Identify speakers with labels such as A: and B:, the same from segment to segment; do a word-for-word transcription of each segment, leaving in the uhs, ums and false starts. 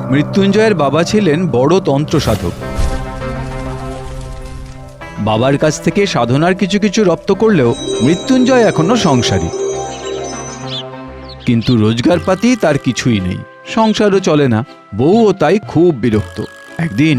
A: মৃত্যুঞ্জয়ের বাবা ছিলেন বড় তন্ত্র সাধক। বাবার কাছ থেকে সাধনার কিছু কিছু রপ্ত করলেও মৃত্যুঞ্জয় এখনো সংসারী। কিন্তু রোজগারপাতি তার কিছুই নেই, সংসারও চলে না। বউও তাই খুব বিরক্ত। একদিন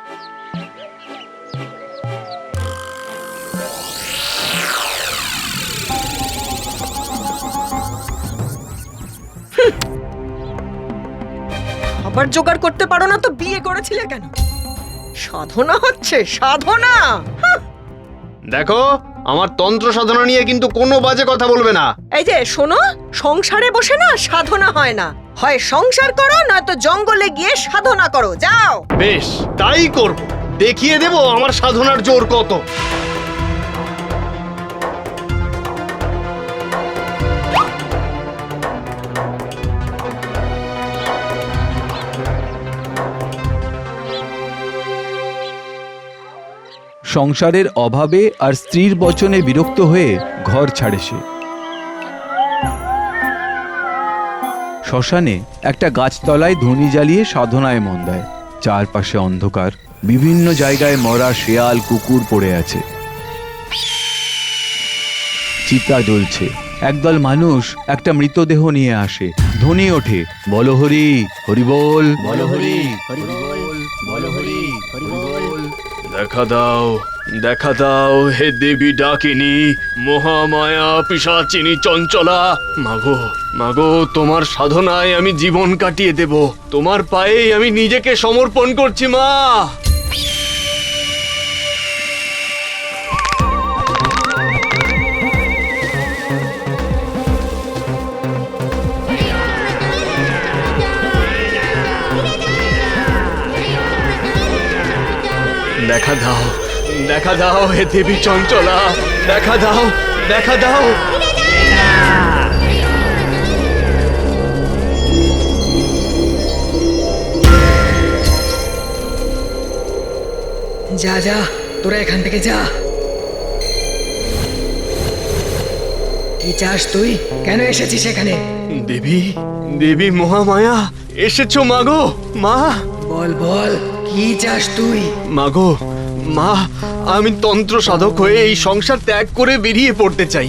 B: আবার জোগাড় করতে পারো না তো বিয়ে করেছিলে কেন? সাধনা হচ্ছে সাধনা।
C: দেখো, আমার তন্ত্র সাধনা নিয়ে কিন্তু কোনো বাজে কথা বলবে না।
B: এই যে শোনো, সংসারে বসে না সাধনা হয় না, হয় সংসার করো নয়তো জঙ্গলে গিয়ে সাধনা করো। যাও।
C: বেশ, তাই করব। দেখিয়ে দেব আমার সাধনার জোর কত।
A: সংসারের অভাবে আর স্ত্রীর বচনে বিরক্ত হয়ে ঘর ছাড়ে সে। শ্মশানে একটা গাছতলায় ধুনি জ্বালিয়ে সাধনায় মন দেয়। চারপাশে অন্ধকার, বিভিন্ন জায়গায় মরা শেয়াল কুকুর পড়ে আছে। চিতা জ্বলছে। একদল মানুষ একটা মৃতদেহ নিয়ে আসে। ধ্বনি ওঠে, বলো হরি হরি বল, বলো হরি হরি বল, বলো হরি হরি বল।
C: দেখা দাও, দেখা দাও হে দেবী ডাকিনী, মহামায়া পিশাচিনী চঞ্চলা। মাগো, মাগো, তোমার সাধনায় আমি জীবন কাটিয়ে দেব। তোমার পায়েই আমি নিজেকে সমর্পণ করছি মা। দেখা দাও, দেখা দাও হে দেবী চঞ্চলা, দেখা দাও, দেখা দাও।
B: যা যা, তোরা এখান থেকে যা। কি চাস তুই? কেন এসেছিস এখানে?
C: দেবী, দেবী মহামায়া এসেছো মাগো। মা,
B: বল বল, কি চাস তুই?
C: মাগো, মা, আমি তন্ত্র সাধক হয়ে এই সংসার ত্যাগ করে বেরিয়ে পড়তে চাই।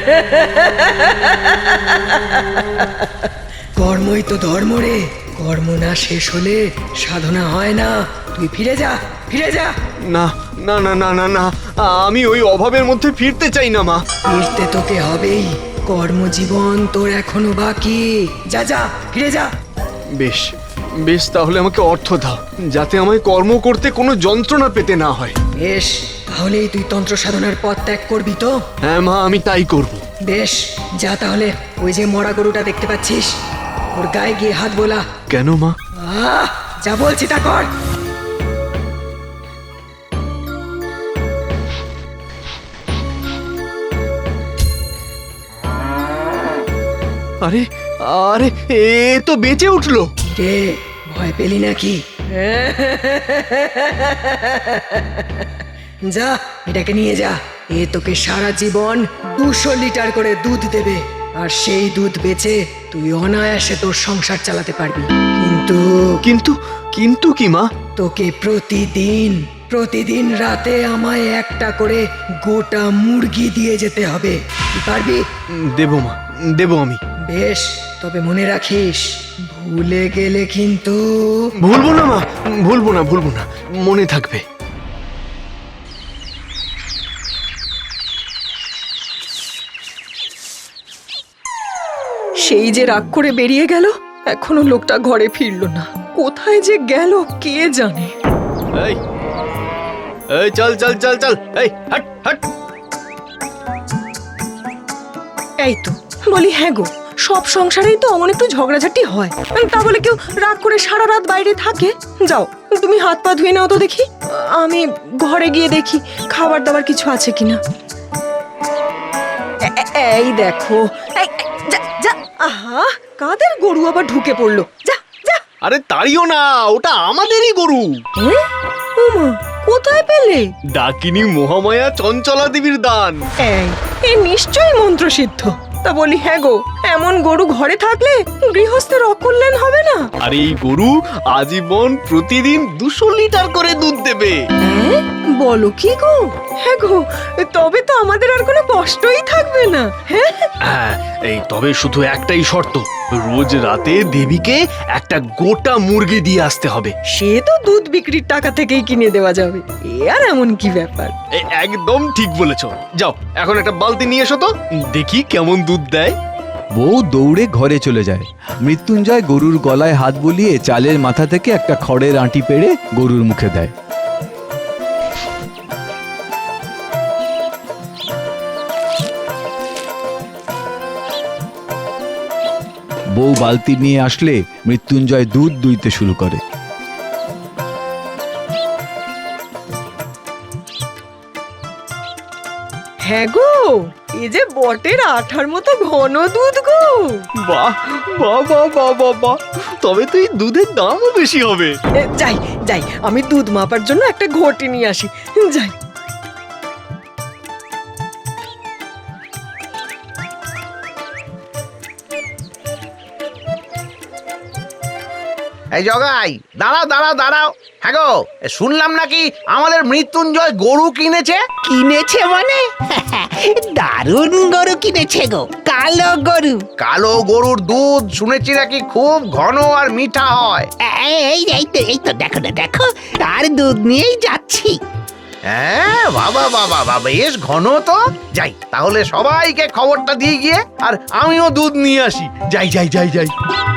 B: কর্মই তো ধর্ম রে। কর্ম না শেষ হলে সাধনা হয় না। তুই ফিরে যা, ফিরে যা।
C: না না না না না না, আমি ওই অভাবের মধ্যে ফিরতে চাই না মা।
B: ফিরতে তোকে হবেই। কর্মজীবন তোর এখনো বাকি। যা যা, ফিরে যা।
C: বেশ, বেশ, তাহলে আমাকে অর্থ দাও, যাতে আমায় কর্ম করতে কোনো যন্ত্রণা পেতে না হয়।
B: বেশ, তাহলেই তুই তন্ত্র সাধনার পথ ত্যাগ করবি তো?
C: হ্যাঁ মা, আমি তাই করব।
B: বেশ, যা তাহলে। ওই যে মরা গরুটা দেখতে পাচ্ছিস, ওর গায়ে গিয়ে হাত বোলা।
C: কেন মা?
B: আহ, যা বলছি তা কর।
C: আরে, আরে, এ তো বেঁচে উঠলো।
B: রে, ভয় পেলি নাকি? যা, এটাকে নিয়ে যা। এ তোকে সারা জীবন দুশো লিটার করে দুধ দেবে, আর সেই দুধ বেচে তুই অনায়াসে তোর সংসার চালাতে পারবি। কিন্তু
C: কিন্তু কিন্তু কি মা?
B: তোকে প্রতিদিন প্রতিদিন রাতে আমায় একটা করে গোটা মুরগি দিয়ে যেতে হবে। তুই পারবি?
C: দেবো মা, দেবো আমি।
B: বেশ, তবে মনে রাখিস, ভুলে গেলে কিন্তু।
C: ভুলবো না মা, ভুলবো না, ভুলবো না, মনে থাকবে।
B: সেই যে রাগ করে বেরিয়ে গেল, এখনো লোকটা ঘরে ফিরলো না। কোথায় যে গেল কে জানে।
C: এই, এই, চল চল চল চল, এই, হাট হাট।
B: এই তো বলি, হ্যাঁ গো, সব সংসারেই তো অমন একটু ঝগড়াঝাটি হয়। তা বলে কেউ রাগ করে সারা রাত বাইরে থাকে? যাও, তুমি হাত পা ধুয়ে নাও তো দেখি। আমি ঘরে গিয়ে দেখি খাবার দাবার কিছু আছে কিনা। এই দেখো, যা যা। আহা, কাদের গরু আবার ঢুকে পড়লো? যা যা।
C: আরে তাড়িও না, ওটা আমাদেরই গরু।
B: ওমা, কোথায় পেলে?
C: ডাকিনী মহামায়া চঞ্চলা দেবীর দান।
B: এই, এ নিশ্চয়ই মন্ত্রসিদ্ধ। তা বলি হ্যাঁ গো, এমন গরু ঘরে থাকলে গৃহস্থের অকল্যাণ হবে না?
C: আর এই গরু আজীবন প্রতিদিন দুশো লিটার করে দুধ দেবে।
B: হ্যাঁ, বলো কি গো? হ্যাঁ গো, তবে তো আমাদের আর কোনো কষ্টই থাকবে না। হ্যাঁ,
C: হ্যাঁ, এই তবে শুধু একটাই শর্ত, রোজ রাতে দেবীকে একটা গোটা মুরগি দিয়ে আসতে হবে।
B: সে তো দুধ বিক্রির টাকা থেকেই কিনে দেওয়া যাবে, এ আর এমন কি ব্যাপার?
C: এ, একদম ঠিক বলেছো। যাও এখন একটা বালতি নিয়ে এসো তো, দেখি কেমন দুধ দেয়।
A: বউ দৌড়ে ঘরে চলে যায়। মৃত্যুঞ্জয় গরুর গলায় হাত বুলিয়ে চালের মাথা থেকে একটা খড়ের আঁটি পেড়ে গরুর মুখে দেয়। বউ বালতি নিয়ে আসলে মৃত্যুঞ্জয় দুধ দুইতে শুরু করে।
B: হ্যাঁ গো, এ যে বটের আঠার মতো ঘন দুধ গো।
C: বাহ বাহ বাহ বাহ বাহ বাহ, তবে তো এই দুধের দামও বেশি হবে।
B: এ, যাই যাই, আমি দুধ মাপার জন্য একটা ঘটি নিয়ে আসি। যাই।
D: এই জগাই, দাঁড়াও দাঁড়াও দাঁড়াও। হ্যাঁ গো, শুনলাম নাকি আমাদের মৃত্যুঞ্জয় গরু কিনেছে।
E: কিনেছে মানে? দারুণ গরু কিনেছে গো, কালো গরু।
D: কালো গরুর দুধ শুনেছি নাকি খুব ঘন আর মিঠা হয়।
E: এই এই তো এই তো দেখো না, দেখো তার দুধ নিয়েই যাচ্ছি।
D: হ্যাঁ, বাবা বাবা বাবা, বেশ ঘন তো। যাই তাহলে সবাইকে খবরটা দিয়ে গিয়ে আর আমিও দুধ নিয়ে আসি। যাই যাই যাই যাই।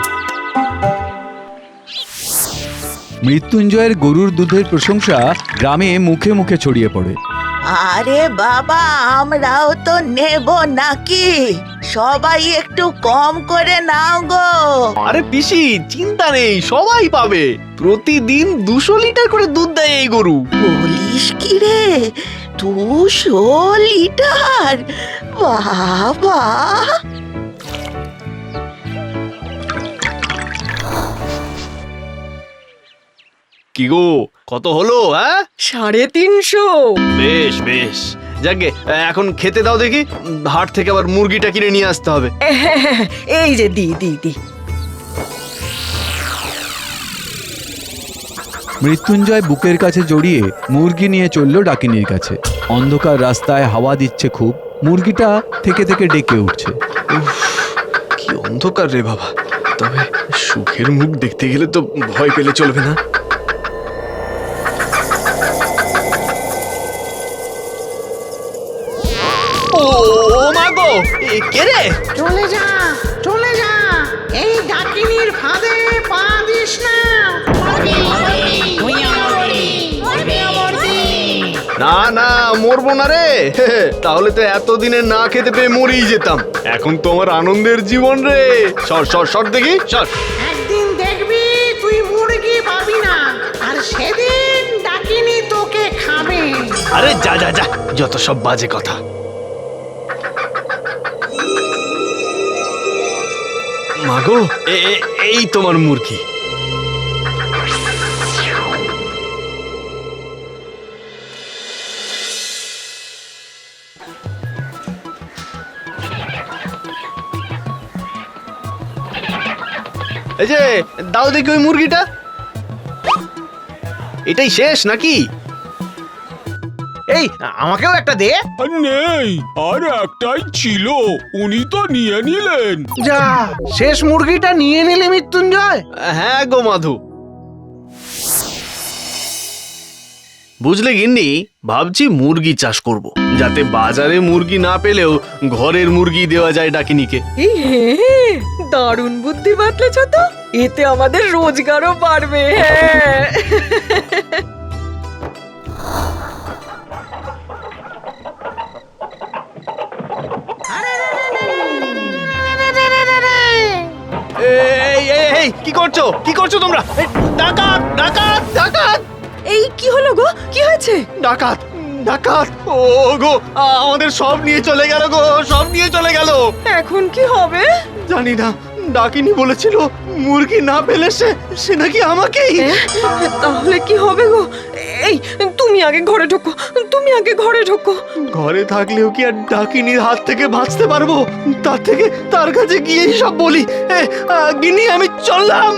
A: মৃত্যুঞ্জয়ের গরুর দুধের প্রশংসা গ্রামে মুখে মুখে ছড়িয়ে পড়ে।
F: আরে বাবা, আমরাও তো নেব নাকি? সবাই একটু কম করে নাও গো।
C: আরে পিসি, চিন্তা নেই, সবাই পাবে। প্রতিদিন দুশো লিটার করে দুধ দেয় এই গরু।
F: বলিস কি রে, দুশো লিটার? বাবা!
C: কি গো, কত হলো? হ্যাঁ,
B: সাড়ে তিনশো।
C: বেশ বেশ, যাকে এখন খেতে দাও দেখি। হাট থেকে আবার মুরগিটা কিনে নিয়ে আসতে হবে।
B: হ্যাঁ, এই যে দি দি দি।
A: মৃত্যুঞ্জয় বুকের কাছে জড়িয়ে মুরগি নিয়ে চলল ডাকিনীর কাছে। অন্ধকার রাস্তায় হাওয়া দিচ্ছে খুব, মুরগিটা থেকে থেকে ডেকে উঠছে।
C: উফ, কি অন্ধকার রে বাবা। তবে সুখের মুখ দেখতে গেলে তো ভয় পেলে চলবে না। ও মা গো, এ কে রে?
E: চলে যা, চলে যা, এই ডাকিনীর ফাঁদে পা দিস না।
C: না না, মরবো না রে। তাহলে তো এতদিনে না খেতে পেয়ে মরেই যেতাম। এখন তো আমার আনন্দের জীবন রে। সর সর সর দেখি, সর।
E: একদিন দেখবি তুই মুরগি পাবি না, আর সেদিন ডাকিনী তোকে খাবে।
C: আরে যা যা যা, যত সব বাজে কথা। মাগো, এ- এ- এই তোমার মুরগি। এই যে দাও দেখি ওই মুরগিটা। এটাই শেষ নাকি?
D: এই আমাকেও একটা দে।
G: আর নেই, আর একটাই ছিল, উনি তো নিয়ে নিলেন।
D: যা, শেষ মুরগিটা নিয়ে নিলে মৃত্যুঞ্জয়।
C: হ্যাঁ গো মাধু। বুঝলে গিন্নি, ভাবছি মুরগি চাষ করব, যাতে বাজারে মুরগি না পেলেও ঘরের মুরগি দেওয়া যায় ডাকিনীকে।
B: এই হ্যাঁ, দারুণ বুদ্ধি বাতলেছ তো। এতে আমাদের রোজগারও বাড়বে। হ্যাঁ,
C: এই এই এই কি করছো, কি করছো তোমরা? এই, ডাকাত ডাকাত ডাকাত
B: এই কি হলো গো? কি হয়েছে?
C: ডাকাত ডাকাত! ও গো, আমাদের সব নিয়ে চলে গেল গো, সব নিয়ে চলে গেল।
B: এখন কি হবে?
C: জানি না, ডাকিনী বলেছিল মুরগি না পেলে সে সে নাকি আমাকেই।
B: হ্যাঁ, তাহলে কি হবে গো? এই তুমি তুমি আগে ঘরে ঢোকো, তুমি আগে ঘরে ঢোকো।
C: ঘরে থাকলেও কি আর ডাকিনীর হাত থেকে বাঁচতে পারবো? তার থেকে তার কাছে গিয়েই সব বলি। এ, আহ, গিন্নি আমি চললাম।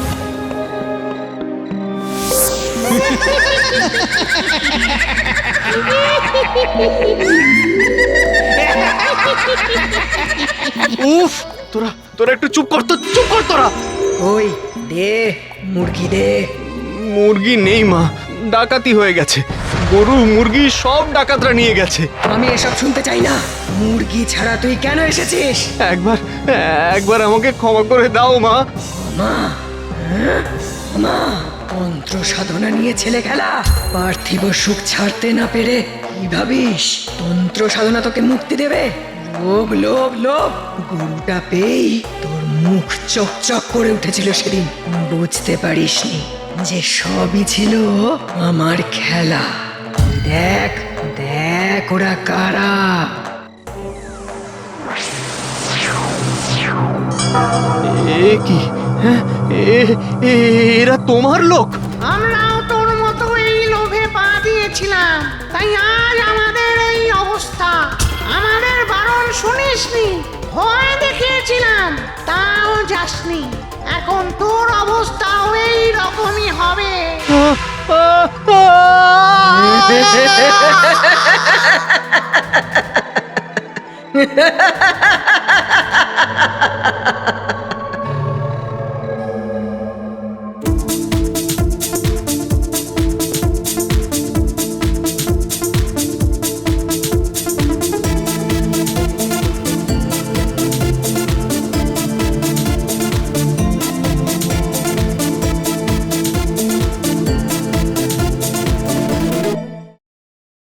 C: উফ, তোরা তোরা একটু চুপ কর তো, চুপ কর তোরা।
B: ওই দে মুরগি দে।
C: মুরগি নেই মা, ডাকাতি হয়ে গেছে। গরু মুরগি সব ডাকাতরা নিয়ে গেছে।
B: আমি এসব শুনতে চাই না। মুরগি ছাড়া তুই কেন এসেছিস?
C: একবার একবার আমাকে ক্ষমা করে দাও মা।
B: মা, হ্যাঁ? মা, মন্ত্র সাধনা নিয়ে ছেলে খেলা, পার্থিব সুখ ছাড়তে না পেরে কি ভাবিস তন্ত্র সাধনা তোকে মুক্তি দেবে? লোভ লোভ লোভ, গরুটা পেয়েই তোর মুখ চকচক করে উঠেছিল সেদিন। বুঝতে পারিসনি যে সবই ছিল আমার খেলা। দেখ দেখ ওরা কারা।
C: এ কি? হ্যাঁ, এ- এ- এরা তোমার লোক?
E: আমরাও তোর মতো এই লোভে পা দিয়েছিলাম, তাই আজ আমাদের এই অবস্থা। আমাদের বারণ শুনিসনি, ভয় দেখিয়েছিলাম, তাও যাসনি। এখন তোর অবস্থাও এই রকমই হবে।
C: আহ, আহ, আহ!